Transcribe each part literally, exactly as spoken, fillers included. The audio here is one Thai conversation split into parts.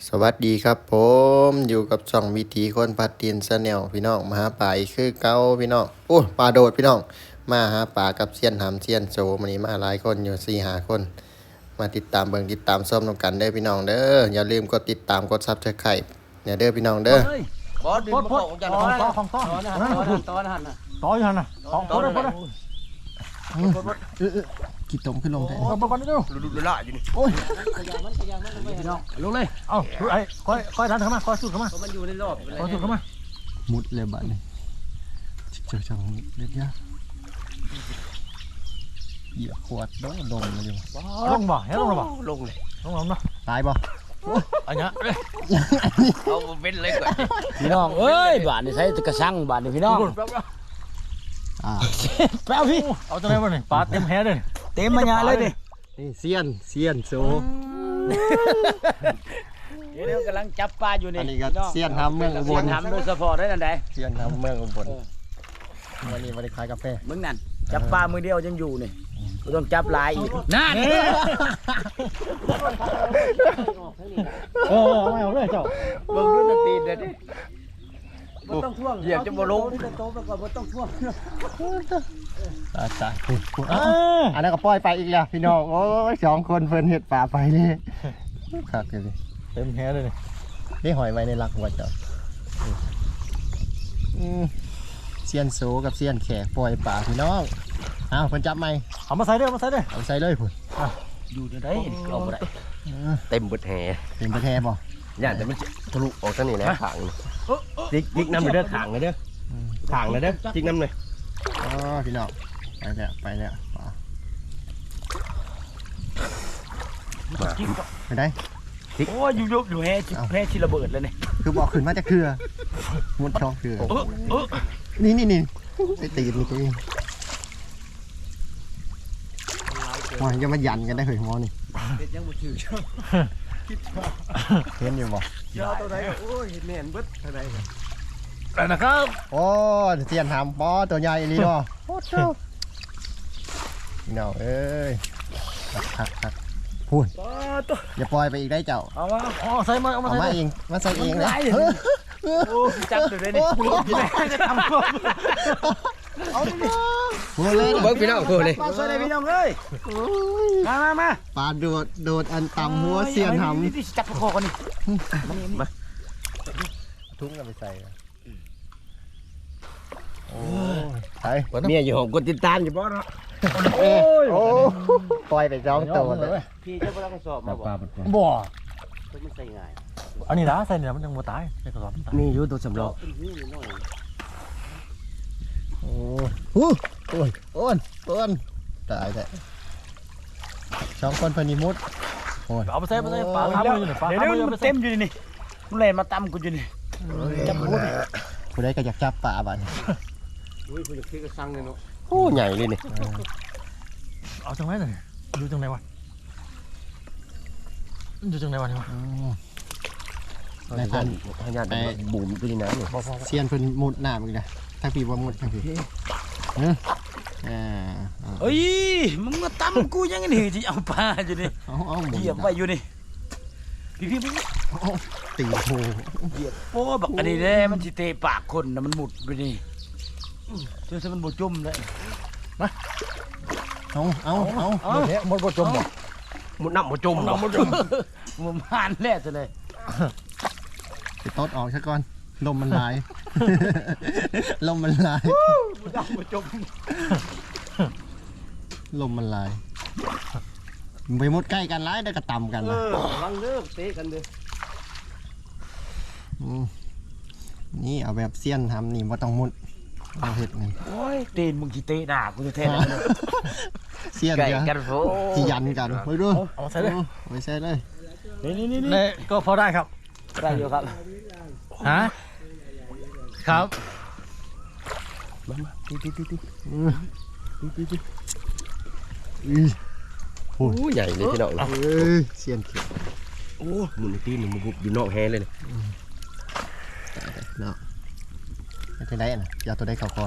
สวัสดีครับผมอยู่กับช่องวิถีคนพัดดินชาแนลพี่น้องมาหาปลาอีกคือเก่าพี่น้องโอ้ปลาโดดพี่น้องมาหาปลากับเซียนหำเซียนโจมันนี้มาหลายคนอยู่สี่หาคนมาติดตามเบิ่งติดตามส้มนำกันเด้อพี่น้องเด้ออย่าลืมกดติดตามกดซับสไครต์เนี่ยเด้อพี่น้องเด้อบอสดินมาของจันทร์ของต่อของต่อต่อนะฮะต่อนะฮะต่ออยู่หันน่ะต่อต่อเลยต่อเลยกี่ตมขึ้นลงได้ต่อไปก่อนนิดเดียวดูดูละอยู่นี่โอ้ยขยามันขยามันพี่น้องลงเลยเอาดูไอ้ค่อยค่อยทันเข้ามาค่อยสุดเข้ามามันอยู่ในรอบค่อยสุดเข้ามามุดเลยบ้านนี้เจ้าช่องเล็กยะเหยียบขวดโดนดมเลยอยู่ลงบ่เฮ้ยลงบ่ลงเลยลงลงเนาะตายบ่อันเนี้ยเอาเป็นเลยก่อนพี่น้องเอ้ยบาทนี่ใช้กระชังบาทนี่พี่น้องอ่าแป๊บพี่เอาตัวไหนบ้างนี่ปลาเต็มแฮเลยเต็มมาญาเลยดินี่เซียนเซียนโซเดี๋ยวกำลังจับปลาอยู่นี่อันนี้ก็เซียนทำเมืองอุบเสียลงทำโดยเฉพาะได้นั่นใดเซียนทำเมืองอุบลวันนี้มาได้ขายกาแฟมึงนั่นจับปลามือเดียวยังอยู่นี่กูต้องจับหลายอีกนั่นเออเอาไม่เอาเลยเจ้าเบิ่งดูนาตีเด็ดดิบ่ต้องท่วงเหยียบจะบ่ลงโตไปก่อนบ่ต้องท่วงตายตายอันนั้นก็ปล่อยไปอีกแล้วพี่น้องโอ้ยสองคนเพิ่นเห็ดป่าไปนี่คักเลยเต็มแฮเลยนี่นี่หอยไว้ในรักหัวเจ้าอืมเซียนโซกับเซียนแขกปล่อยป่าพี่น้องอ้าวเพิ่นจับไหมเอามาใส่เด้อมาใส่เด้อเอาใส่เลยพุ่นอยู่ได้เอาบ่ได้เต็มเบิดแห่เป็นประแทบ่ย่านแต่มันทะลุออกทางนี้นะขางจิกจิกน้ำไปเด้อขางเลยเด้อขางเลยเด้อจิกน้ำเลยอ๋อพี่น้องไปแล้วไปแล้วป่าไปได้โอ้ยอยู่ยกอยู่แฮ่แฮ่ชิระเบิดเลยนี่คือบอกขึ้นมาจากเครือมุดช่องเครือนี่นี่นี่ไอ้ตีนนี่ตัวเองว่าจะมายันกันได้เหรอหมอนี่เป็นยังบ่ถือเห็นอยู่บ่ยาตัวใดโอ้ยแม่นเบิดเท่าใดแต่นะครับโอ้เสียนหามปอตัวใหญ่ลีบ่โอ้เจ้าพี่น้องเอ้ยคักคักคักพูดอย่าปล่อยไปอีกได้เจ้าเอามาอ๋อใส่มาเอามาเอาใส่มาเองมาใส่เองเลยโอ้จับอยู่เลยนี่กูรู้จะทำเอาดิพูดเลยเบิ่งพี่น้องพูดเลยปลาสวยเลยพี่น้องเอ้ยมามามาปลาโดดโดดอันต่ำหัวเสียนหนี่จับคอกันนี่ำทุ่งกันไปใส่โอ้ไปเมียอยู่ห้องกดติดตามอยู่บ่เนาะโอ้โอ้ปล่อยไปจ้องตัวเลยพี่เจ้าบ่ได้กระสอบมาบ่บ่มันใส่ง่ายอันนี้นะใส่เนี่ยมันยังบ่ตายในกระสอบมันตายมีอยู่ตัวสำรองโอ้โหโอ้ยโอนโอนตายแต่สองคนพนิมุดโอ้ยเอาไปใส่ไปใส่ปลาข้ามมืออยู่นี่ปลาเดี๋ยวข้ามมือนี้ไปมันใส่เต็มอยู่นี่มันเลยมาตำกูอยู่นี่จับกูนี่ผู้ใดก็อยากจับปลาบ้านอุ้ยคุณจะคิดก็สั่งเลยเนาะโอ้ใหญ่เลยนี่เอาจังไรหน่อยอยู่จังไรวะอยู่จังไรวะนี่วะในพันพญาติบุ๋มไปในน้ำนี่เซียนเพิ่นมุดน้ำอีกนะถ้าพี่ว่ามุดทางพี่เอออ่าเอ้ยมึงมาตำกูยังไงนี่ที่เอาปลาอยู่นี่เอาเอาหมุนเหยียบไว้อยู่นี่พี่พี่พี่ตีโหเหยียบโอ้บักอันนี้เด้มันสิเตะปากคนนะมันหมุดไปนี่จนซะมันบ่จมเลยเอาเอาเอาเอ้าเนี่ยหมดบ่จมบ่มุดน้ำมุดจมมันบ่จมมันผ่านแล้วซะเลยไปตดออกซะก่อนลมมันลาย ลมมันลายมุดน้ำบ่จมลมมันลายไปมุดใกล้กันร้ายได้กระต่ำกันเอนะอลังเลิกเตะกันเด้อมนี่เอาแบบเซียนทำนี่ว่าต้องมุดเอาเห็ดนี่โอ้ยตีนมึงสิเตะหน้ากูจะแท้เลยเซียนไก่เดียวกันโฟที่ยันกันไปดูเอามาใส่เลยไปใส่เลยนี่นี่นี่นี่ก็พอได้ครับได้อยู่ครับฮะครับมามาตีตีตีตีอือตีตีตีอือโอ้ใหญ่เลยพี่น้องเอ้ยเซียนเขียวโอ้หมุนตีนี่มันบุบอยู่นอกแฮเลยเนาะไม่ใช่ได้นะอย่าตัวได้เข้าก่อน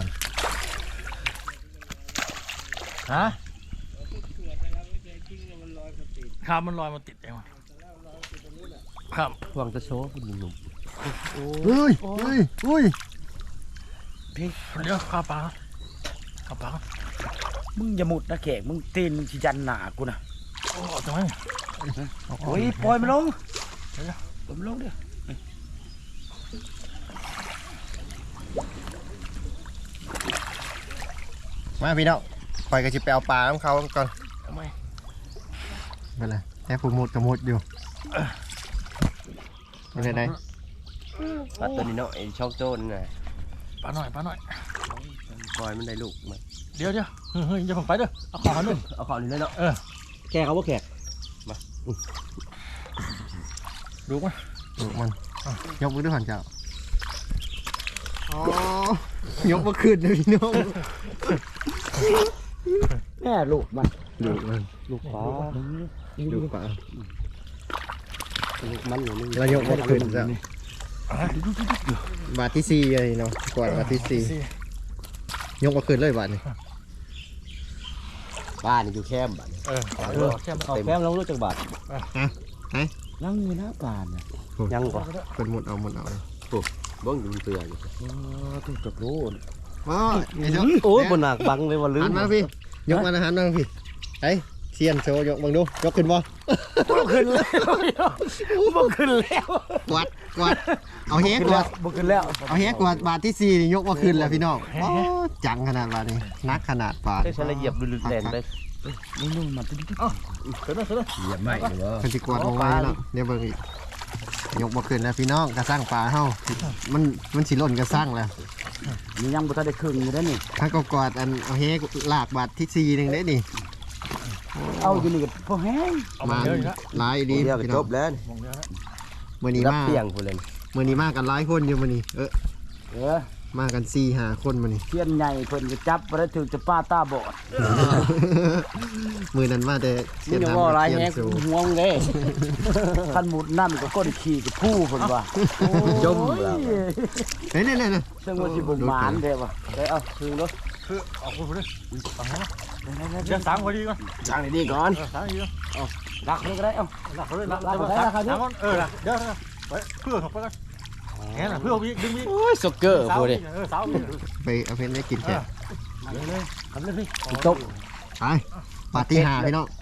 ฮะครับมันลอยมาติดเองวะครับหวังจะโชว์คุณหนุ่มเฮ้ยเฮ้ยเฮ้ยพี่เดี๋ยวข้าวปลาข้าวปลามึงอย่าหมุดนะแขกมึงตีนมึงสิยันหนากูนะโอ้จังไหมโอ้ยปล่อยมันลงปล่อยมันลงเด้อมาพี่น้องคอยก็จะไปเอาปลาของเขาก่อนทำไมไปเลยแค่ผูมุดกับมุดอยู่ไปไหนไหนปลาตัวนี้เนาะไอ้ช่องโจ้นน่ะปลาหน่อยปลาหน่อยปล่อยมันได้ลูกมันเดี๋ยวเดี๋ยวเฮ้ยเฮ้ยอย่าเพิ่งไปเด้อเอาของมาหนึ่งเอาของนี่เลยเนาะเออแกเขาว่าแขกดูมั้ยลูกมันยกมือด้วยหันเจ้าอ๋อยกมาขึ้นเลยพี่น้องแม่ลูกมันลูกมันลูกปลาลูกปลาลูกมันอยู่นี่เรายกมาขึ้นแล้วบาทที่สี่เลยเนาะกวาดบาทที่สี่ยกมาขึ้นเลยบาทนี่บ้านนี่อยู่แคมป์บ้านเออเออแค่เอาแคมป์ลงรู้จักบาทนั่งอยู่หน้าป่านน่ะยังกว่าเป็นหมดเอาหมดเอาเบิ้งอยู่เตือนเออถูกจับรู้ว้าไอ้เจ้าโอ้ยบนหนักบังเลยว่าลืหัมนมาพี่ยกมานะหันมาพี่ไอ้เซียนโชว์ยกบังดูยกขึ้นบ่บ่ขึ้นแล้วบ่ขึ้นแล้วกวาดกวาดเอาเฮกวาดบ่ขึ้นแล้วเอาเฮกวาดบาทที่สี่นี่ยกมาขึ้นแล้วพี่น้องโอ้จังขนาดบาทนี้นักขนาดบาทได้ใช้ละเอียบลึกๆแรงไปนี่นุ่มมันตึ๊ดเสร็จแล้วเสร็จแล้วเหยียบไม่หรือว่าคนที่กวาดมาไว้เนาะเดี๋ยวเบิ่งอีกยกมาขึ้นแล้วพี่น้องกระสร้างปลาเฮามันมันสิหล่นกระสร้างแล้วนี่ยังบ่ทันได้ครึ่งอยู่เด้อนี่ถ้าก็กวาดอันเอาเฮกลากบาทที่สี่หนึงได้นี่เอาอยู่นี่ก็พอแห้งเอามามาเยอะอีกแล้วหลายดีเดียวก็พี่จน้องบแล้วมองเยอะแล้วมื้อนี้รับมาเตียงพูดเลยมื้อนี้มากันหลายคนอยู่มื้อนี้เออเออมากันสี่ห้าคนมื้อนี้เทียนใหญ่เพิ่นก็จับบ่ได้ถึงจะป้าตาบอดมือนั้นมาแต่มึงอย่าว่าหลายแฮงห่วงเด้คันหมุดนั่นก็ก้นขี้ก็ผู้เพิ่นว่าจมแล้วเฮ้ยนี่นี่ซึ่งว่าสิบ่หมานเด้ว่ะได้เอาถึงเนาะคือเอาคุณไปดิฟังนะเดี๋ยวสามพอดีก่อนจ้างดีๆก่อนเออสามดีก่อนรักนี่ก็ได้เอ้าหลักเลยหลักหลักเดี๋ยวได้สามราคาเยอะสามคนเออหลักเดี๋ยวไปเพื่อถกไปกันแง่น่ะเพื่อวิ่งดึงวิ่งโอ้ยสกเกอร์สาวพูดเลยเออสาววิ่งไปเอาเพนได้กินแค่เลยทำเลยพี่ตบไปปาร์ตี้หาพี่น้อง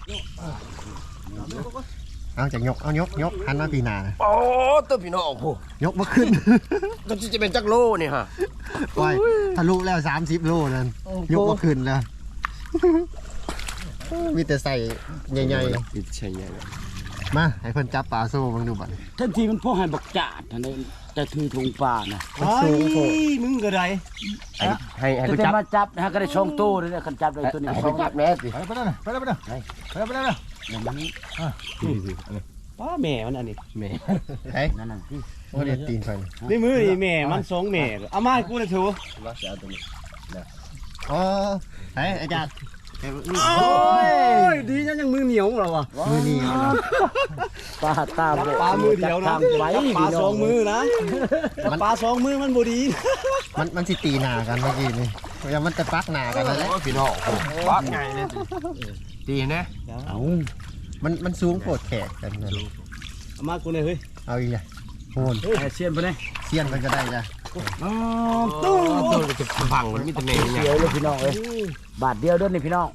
เอาจากยกเอายกยกหันมาปีหนาโอ้ตัวพี่น้องพูยกมาขึ้นก็จะเป็นจักรโลนี่ฮะไปทะลุแล้วสามสิบโลนั่นยกมาขึ้นแล้วมีแต่ใส่ใหญ่ติดใช่ไงๆมาให้เพิ่นจับปลาโซ่บังดูบัดทันทีมันพอให้บักจาดอันนี้จะถือถุงปลาน่ะมันสูงโผล่มึงก็ได้ให้ให้ให้จะกูได้จับมาจับนะฮะก็ได้ช่องตู้เลยคันจับได้ตัวนี้ให้ช่กูองจับแม่สิไปไปได้ไปได้ไปได้ไปได้ไปได้เดี๋ยวมันป้าแม่มันอันนี้แม่เฮ้ยนั่นน่ะพี่โอ้เด็ดตีนเพิ่นนี่มือนี่แม่มันสองแม่เอามาให้กูเลยเถอะมาเสียตัวนี้อ๋อเฮ้ยอาจารย์โอ้ยดีจังยังมือเหนียวเราอ่ะมือนี้เอาเนาะปลาตาปลามือเดียวนะไว้ปลาสองมือนะปลาสองมือมันบ่ดีมันมันสิตีหนากันเมื่อกี้นี่อย่ามันจะปักหนากันแล้วพี่น้องปักไงเนี่ยดีนะเอามันมันสูงโคตรแขกกันนะเอามากูเลยเฮ้ยเอาอีกเลยโหนเชียนไปเลยเสี้ยนมันก็ได้จ้ะอ๋อตู้ตู้จะพังมันมีแต่แม่เนี่ยเดียวเลยพี่น้องเอ้ยบาทเดียวเด้อนี่พี่น้อง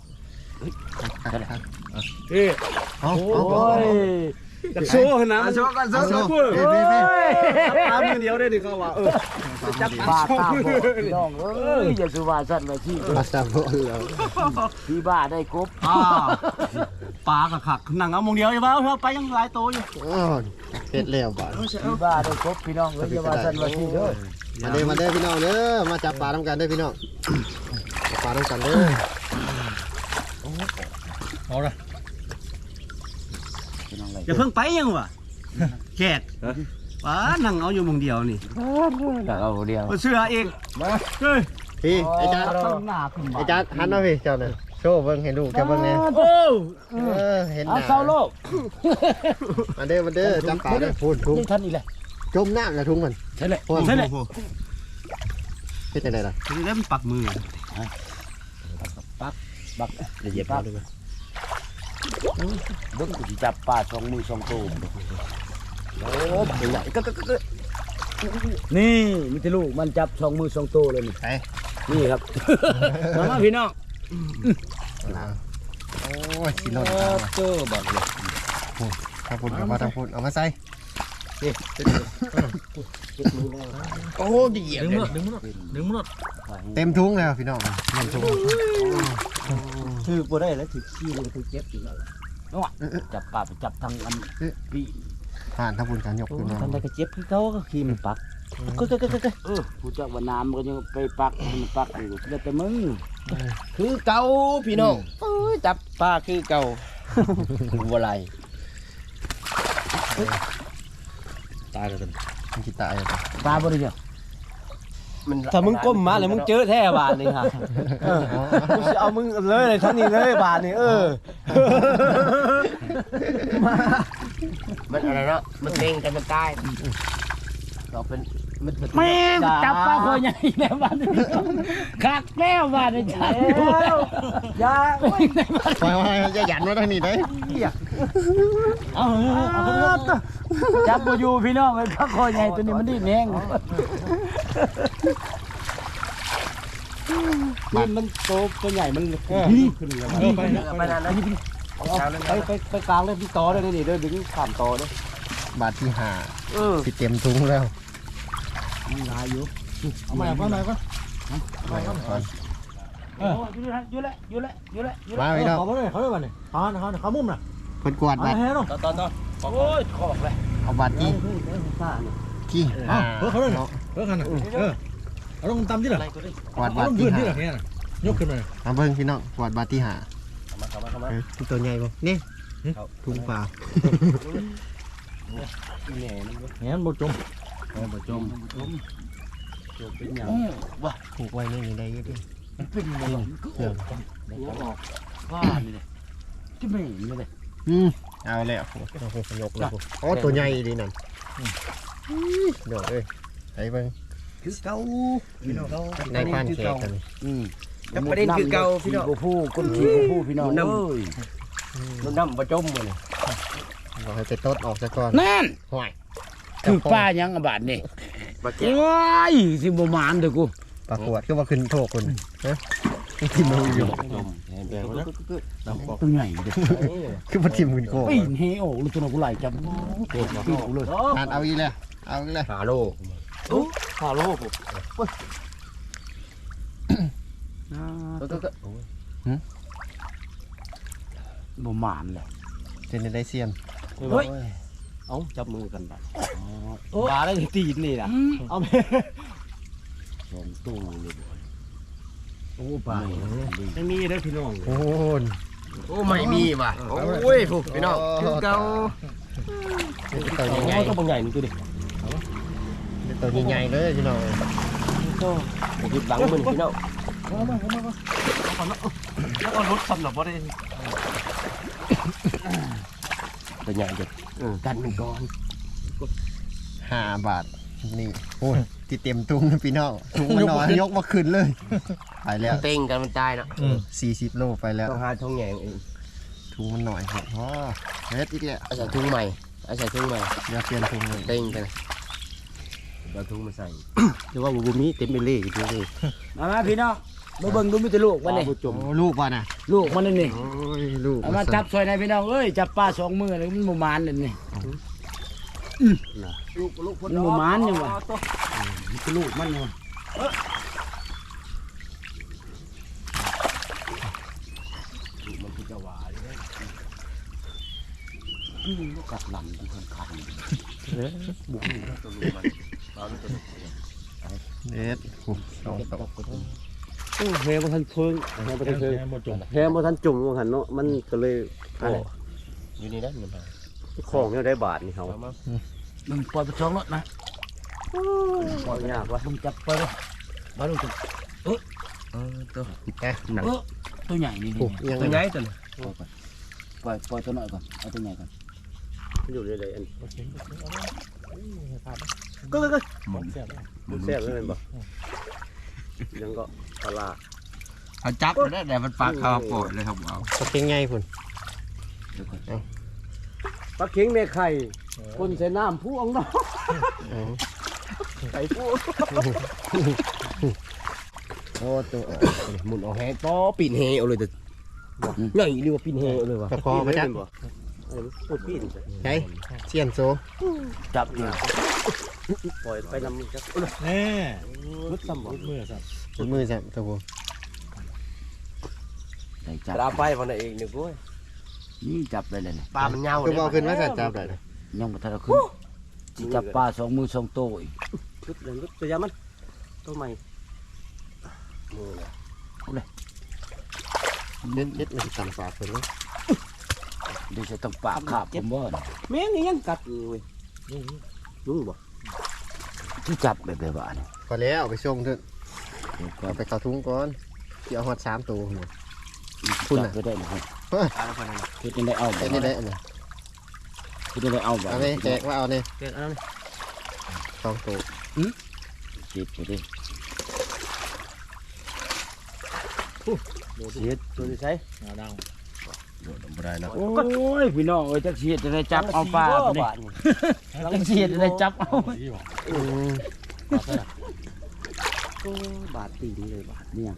เอ้ยเอาโอ้เอาเอายจะโซ่นะโซ่กันโซ่เอากูเฮ้ยเฮ้ยเฮ้ยปลามือเดียวได้ดิเขาว่าเออจับปลาตาบอดพี่น้องเอ้ยอย่าสุวาสันไว้ที่ปลาซาโบนแล้วที่บ้าได้กบปลากับขักนั่งเอามงเดียวอย่าบ้าเถอะไปยังหลายโตอยู่อ๋อเผ็ดแล้วบ่าที่บ้าได้กบพี่น้องเอ้ยอย่าว่าสันไว้ที่เด้อมาเด้อมาเด้อพี่น้องเด้อมาจับปลาทำกันเด้อพี่น้องจับปลาทำกันเด้อเอาละพี่น้องเลยอย่าเพิ่งไปยังวะแขกป้านั่งเอาอยู่มงเดียวนี่แต่เอาเดียวเสื้อเองเฮ้ยพี่ไอ้จ้าหน้าขึ้นไอ้จ้าหันมาพี่เจ้าน่ะโชว์เบิ่งให้ลูกเจ้าเบิ่งแน่โอ้เออเห็นหเอาน้าเศร้าโลกมาเด้อมาเด้อจับปลาเด้อพูดทุ่งนี่ท่านอีกเลยจมน้ำแล้วทุ่งมันใช่เลยพูดใช่เลยเฮ็ดจังได๋ล่ะถึงได้มันปักมือบักเหยียบเอาด้วยมั้ยเบิ้งกูสิจับปลาสองมือสองตัวโอ้ใหญ่ก็ก็ก็นี่มีแต่ลูกมันจับสองมือสองโตวเลยนี่ไปนี่ครับ มามาพี่น้องโอ้ยสิหล่นเจอบักเลยทำพุ่นเอามาทำพุ่นเอามาใส่โอ้ดีอ่ะดึงมือดึงมือดึงมือเต็มถุงแล้วพี่น้องเต็มถุงถือบ่ได้แล้วถือขี้เลยถือเจ็บอีกแล้วจับปลาไปจับทางอันพี่ผ่านทำพุ่นการยกขึ้นมาทำได้ก็เจ็บคือเขาก็ขี้มันปักก็ก็ก็ก็เออผู้เจ้าว่าน้ำมันก็ยังไปปักมันปักอยู่แล้วแต่มึงคือเก่าพี่น้องเอ้ยจับปลาคือเก่าบ่ไรตายแล้วกันมันคิดตายเลยปลาบ่ได้เดียวถ้ามึงก้มมาแล้วมึงเจอแท้บาทนี่ค่ะกูจะเอามึงเลยเลยทั้งนี้เลยบาทนี่เออมันอะไรเนาะมันเด้งกันมันตายเราเป็นมันแม่งจับปลาคอใหญ่แล้วบ้านนี้คักแล้วบ้านนี้จับยาไปไปจะหยันมาทางนี้ได้เอาเอาจับบ่อยู่พี่น้องไอ้ปลาคอใหญ่ตัวนี้มันดิ้นแห้งนี่มันโตตัวใหญ่มันขึ้นเลยเออไปนะไปนานแล้วไปไปไปกลางเลยพี่ต่อเลยนี่เด้อดึงข้ามต่อเด้อบาทที่ห้าเออสิเต็มถุงแล้วมันลายอยู่เอาใหม่ก่อนใหม่ก่อนไปก่อนเอออยู่แล้วอยู่แล้วอยู่แล้วอยู่แล้วอยู่แล้วมาพี่น้องเขาไม่ได้เขาไม่ได้เนี่ยเขาเขาเขามุมน่ะเพิ่นกวาดเอาบาทให้เนาะต่อต่อต่อโอ้ยขอกเลยเอาบาทที่ที่เอาเพื่อเขาด้วยเพื่อเขาน่ะเออเอาลงตำที่ไหนกวาดเอาบาทลงที่ยืนที่ห้าไหนเนี่ยยกขึ้นมาเอาเบิ่งพี่น้องกวาดบาทที่ห้ามาเข้ามาเข้ามาเออตัวใหญ่บ่นี่ถุงปลาแหน่มันแง่หมดจมบ่จมจมเป็นหยังว้าผูกไว้ในนี้ได้เยอะดิมันเป็นไงก็ออกหัวออกว่านี่เลยจะไม่เห็นเลยอืมเอาแล้วโอ้โหเอาขยกเลยโอ้ตัวใหญ่ดีนั่นเดี๋ยวเอ้ยไปเบิ่งคือเก่าในบ้านแขกกันนี่อืมแล้วประเด็นคือเก่าพี่น้องกูผู้คนขี่กูผู้พี่น้องเอ้ยมันน้ำบ่จมเลยบอกให้ไปตดออกซะก่อนนั่นห่วยคือป้ายังอบาดนี่ปลาแก้โอ้ยสิบ่มานเด้อกูปลากวดก็ว่าขึ้นโทษคุณฮะทิมมืออยู่จมแดงแล้วตัวใหญ่เด้อคือมาทิมคุณโก้ปีนเฮโอ้ลูกตัวนั้นกูไหลจับปีนกูเลยทานเอาอีกแล้วเอาอีกแล้วหาโลหาโลผมบ่มานเลยเจนได้เซียนเฮ้ยเอาจับมือกันไปปลาได้ตีนนี่นะเอาไปสองตู้เลยโอ้ปลาไม่มีได้พี่น้องโอ้นโอ้ไม่มีว่ะโอ้ยผู้พี่น้องคือเก่าตัวโอ้ใหญ่ก็บางใหญ่นี่ตัวดิๆตัวใหญ่ๆเลยพี่น้องก็ยึดหลังมันพี่น้องแล้วก็รถทำหรอบ่ได้ตัวใหญ่เด็ดกันมันก่อนห้าบาทนี่โอ้ยที่เต็มถุงนะพี่น้องถุงมันน้อยยกมาขึ้นเลยไปแล้วเต็งกันมันตายนะสี่สิบโลไปแล้วต้องหาทงแหงเองถุงมันหน่อยครับอ๋อเฮ็ดอีกแล้วเอาใส่ถุงใหม่เอาใส่ถุงใหม่อย่าเปลี่ยนถุงเลยเต็งกันเอาถุงมาใส่หรือว่าบุมีเต็มไปเลยอยู่เลยมามาพี่น้องมาเบิ่งดูมีแต่ลูกมันนี่จมโอ้ลูกว่ะนะลูกมันนี่โอ้ยลูกเอามาจับซอยในพี่น้องเอ้ยจับปลาสองมือเลยมันบ่มานเลยนี่ลูกลูกมันบ่มานยังวะมันคือลูกมันยังวะมันคือจะหวานเลยอืมกัดหลังมันคันคันบุกตัวลูกมันปลาตัวลูกเอ็ดโอ้สองตัวโอ้แฮมทันเพิงแฮมทันเพิงแง่หมดจมแฮมทันจุ่มหันเนาะมันก็เลยอยู่นี่นะมันของเนี่ยได้บาทนี่เขามึงปล่อยไปช่องรถนะปล่อยยากวะมึงจับไปเลยมาดูตัวเออตัวแกหนังเออตัวใหญ่นี่โอ้นี่ยังตัวไงใหญ่ตัวนี้ปล่อยปล่อยตัวน้อยก่อนเอาตัวใหญ่ก่อนอยู่เลยเลยอันก็ก็ก็มันแซ่บเลยบ่ยังก็ปลาเขาจับได้แต่มันปากเขาโกรธเลยครับเอาก็เป็นไงคุณปลาเค็งแม่ไข่คนใส่น้ำผู้องน้องไก่ผู้โอ้ตัวหมุนเอาแฮต่อปีนเฮเอาเลยแต่ใหญ่เรียกว่าปีนเฮเอาเลยว่ะตะคอมาจักพูดปีนใช่เสียนโซจับอยู่ปล่อยไปนำจักแน่มุดซ้ำบ่มือสับจุดมือจับตะบูได้จับปลาไปวันเองเนี่ยกูนี่จับได้เลยนี่ปลามันยาวคือบอกขึ้นว่าจะจับได้เลยยังบ่ทันเอาขึ้นสิจับปลาสองมือสองโตอีกชุดเลยตัวยามันตัวใหม่มือเด็ดเด็ดมันต่ำฝาเพิ่นเลยเดี๋ยวจะต้องปากขาบผมบ่น่ะแม่งยังกัดอยู่เว้ยยุ่งบ่ที่จับแบบแบบว่านี่พอแล้วไปส่งเถอะเดี๋ยวก็เอาไปเข้าถุงก่อนเดี๋ยวเอาหอดสามตัวหมด คุคุณณน่ะน่ะก็ได้นะครับเฮ้ยคือจะได้เอาแบไอ้บนี่ได้อันนี้คือจะได้เอาแบบเอาไปแจกว่าเอาเนี่ยเกิดอะไรสองตัวจิตไปดิเสียตัวนี้ใช่หนาดังโดดลงบ่ได้นะโอ้ยพี่น้องเอ้ยจักเสียจะได้จับเอาปลาไปนี่จักเสียจะได้จับเอาดีว่ะอืมบาทตีนี่เลยบาทเนี่ย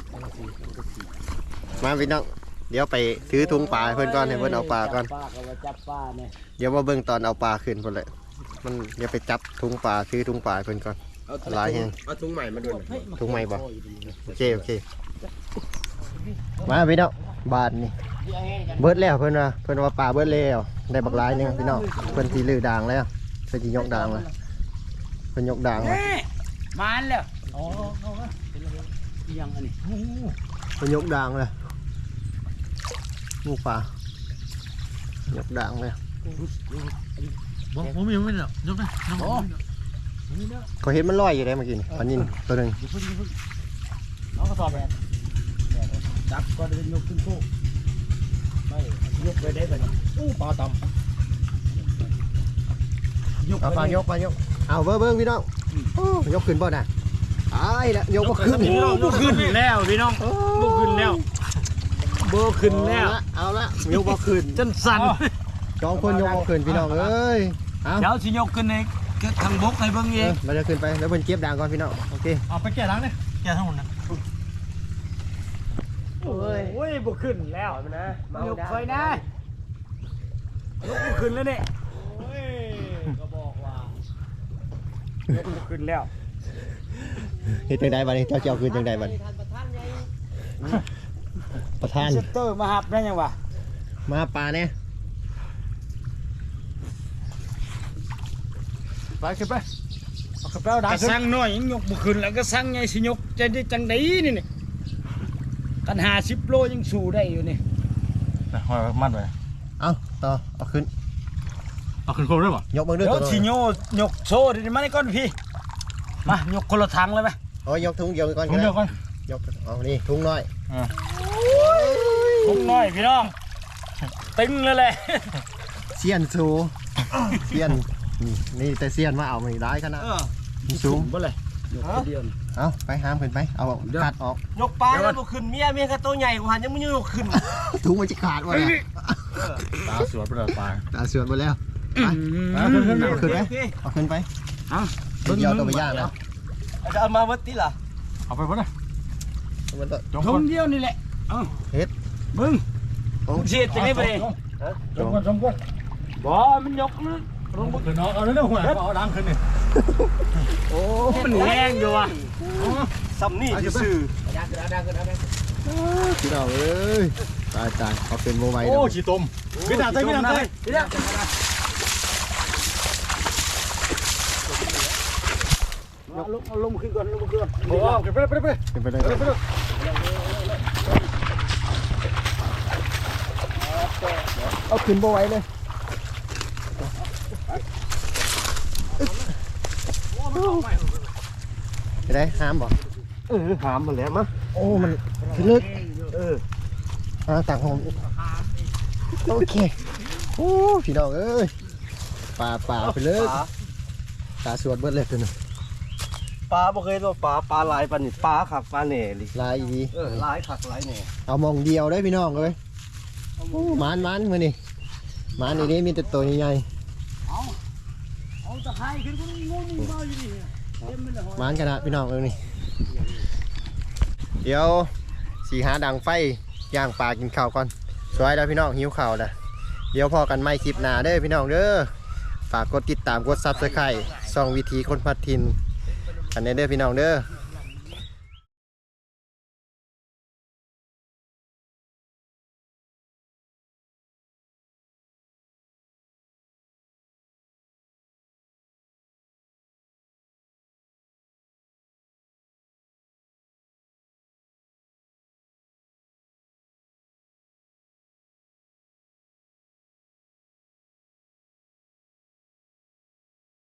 มาพี่น้องเดี๋ยวไปถือถุงปลาให้เพิ่นก่อนให้เพิ่นเอาปลาก่อนจับปลาก็ว่าจับปลาเนี่ยเดี๋ยวมาเบิ่งตอนเอาปลาขึ้นพุ่นเลยมันเดี๋ยวไปจับถุงปลาถือถุงปลาให้เพิ่นก่อนหลายแฮงเอาถุงใหม่มาดูถุงใหม่บ่โอเคโอเคมาพี่น้องบาทนี่เบิดแล้วเพิ่นว่าเพิ่นว่าปลาเบิดแล้วได้บักหลายหนึงพี่น้องเพิ่นสิลื้อด่างแล้วเพิ่นสิยกด่างแล้วเพิ่นยกด่างแล้วมาแล้วอ๋อเอาละยังอันนี้เพิ่นยกด่างเลยลูกปลายกด่างเลยผมผมยังไม่เนี่ยยกนะน้องเขาเห็นมันลอยอยู่ได้เมื่อกี้นี่อันนี้ตัวหนึงน้องก็สอบแบบจับก็ได้ยกขึ้นโคกไม่ยกไปได้แบบอู้ปลาตยกเอาปลายกปลายกเอาเบิ่งเบิ่งพี่น้องโอ้ยกขึ้นบ่น่ะตายแล้วยกบ่ขึ้นำบุขึ้นแล้วพี่น้องโอ้บุขึ้นแล้วบุขึ้นแล้วเอาละยกบ่ขึ้นจนสั่นสองคนยกบ่ขึ้นพี่น้องเอ้ยเอาเดี๋ยวสิยกขึ้นในทางบกให้เบิ่งเอเอง อเราจะขึ้นไปแล้วเพิ่นเก็บด่างก่อนพี่น้องโอเคเอาไปแก่ล้างเนี่ยแก่ทั้งหมดนะโอ้ยโอ้ยบุขึ้นแล้วนะยกไฟนะยกขึ้นแล้วเนี่ยโอ้ยก็บอกว่ายกขึ้นแล้วเฮ็ดจังไดบัดนี้เจ้าเจ้าขึ้นจังไดบัดนี้ประธานเซตเตอร์มาหับได้ยังวะมาปลาเนี่ยไปขึ้นไปเอาขึ้นไปเอาดังก็ขึ้นสั่งน้อยยังยกบ่ขึ้นแล้วก็สั่งไงสิยกจะได้จังไดนี่นี่กันห้าสิบโลยังสู้ได้อยู่นี่นะหอยมัดไว้เอาต่อเอาขึ้นเอาขึ้นโคมได้ป่ะยกมือด้วยเดี๋ยวตัวสิโยยกโซ่ดิมานี่ก่อนพี่มายกคนละทางเลยไหมโอ้ยยกถุงเดียวก่อนผมก็เดีได้ยวก่อนยกเอานี่ถุงน้อยทุกน้อยพี่น้องตึงเลยแหละเสียนสูเสียนนี่นี่แต่เสียนมาเอาไม่ได้ขนาดนี่สูงบ่เลยยกคนเดียวเอาไปห้ามขึ้นไปเอาขาดออกยกปลาแล้วบ่ขึ้นเมียเมียก็ตัวใหญ่กว่ายังไม่ยกขึ้นถุงมันจะขาดวะเนี่ยตาสวยไปเลยปลาตาเสือนหมดแล้วไปขึ้นขึ้นเอาขึ้นไปเอาขึ้นไปเดียวตัวไปย่างแล้วจะเอามาวัดติล่ะเอาไปพุ่นนะมันก็จงทก่อนงเดียวนี่แหละเอ้าเฮ็ดมึงโอ้เสียจังได๋บ่ได้จงก่อนจงก่อนบ่มันยกนะลงขึ้นเอาเอาเรื่องหัวเอาดังขึ้นนี่โอ้มันแห้งอยู่ว่ะซ้ำนี่ซื่อพี่น้องเอ้ยตายตายเอาเป็นโมไวโอ้ฉีดต้มพี่ดาบใส่พี่ดาบใส่เอาลงเอาลงขึ้นก่อนลงขึ้นก่อนโอ้ไปไปไปไปขึ้นไปเลยไปไปเอาขึ้นโมไวเลยไปได้ห้ามบ่เออหามมาแล้วมะโอ้มันขึ้นลึกเอออ่าต่างผมโอเคโอ้พี่น้องเอ้ยป่าป่าไปเลยตาสวดเบิดเลยตัวนึงปลาบ่เคยตัวปลาปลาหลายปานนี่ปลาขักปลาแหน่ลิลายดีเออหลายขักหลายแหน่เอามองเดียวได้พี่น้องเลยโอ้หมานหมานมือนี่หมานนี่นี่มีแต่ตัวใหญ่เอาตะไคร้ขึ้นก็งงมึงมาอยู่นี่เต็มเลยหอยหมานกันนะพี่น้องเอ้ยนี่เดี๋ยวสีหาดังไฟย่างปลากินข้าวก่อนสวยแล้วพี่น้องหิวข้าวแล้วเดี๋ยวพอกันไม่คลิปหน้าเด้อพี่น้องเด้อฝากกดติดตามกดซับสไครต์ส่องวิธีคนพัดทินอันนี้เด้อพี่น้องเด้อ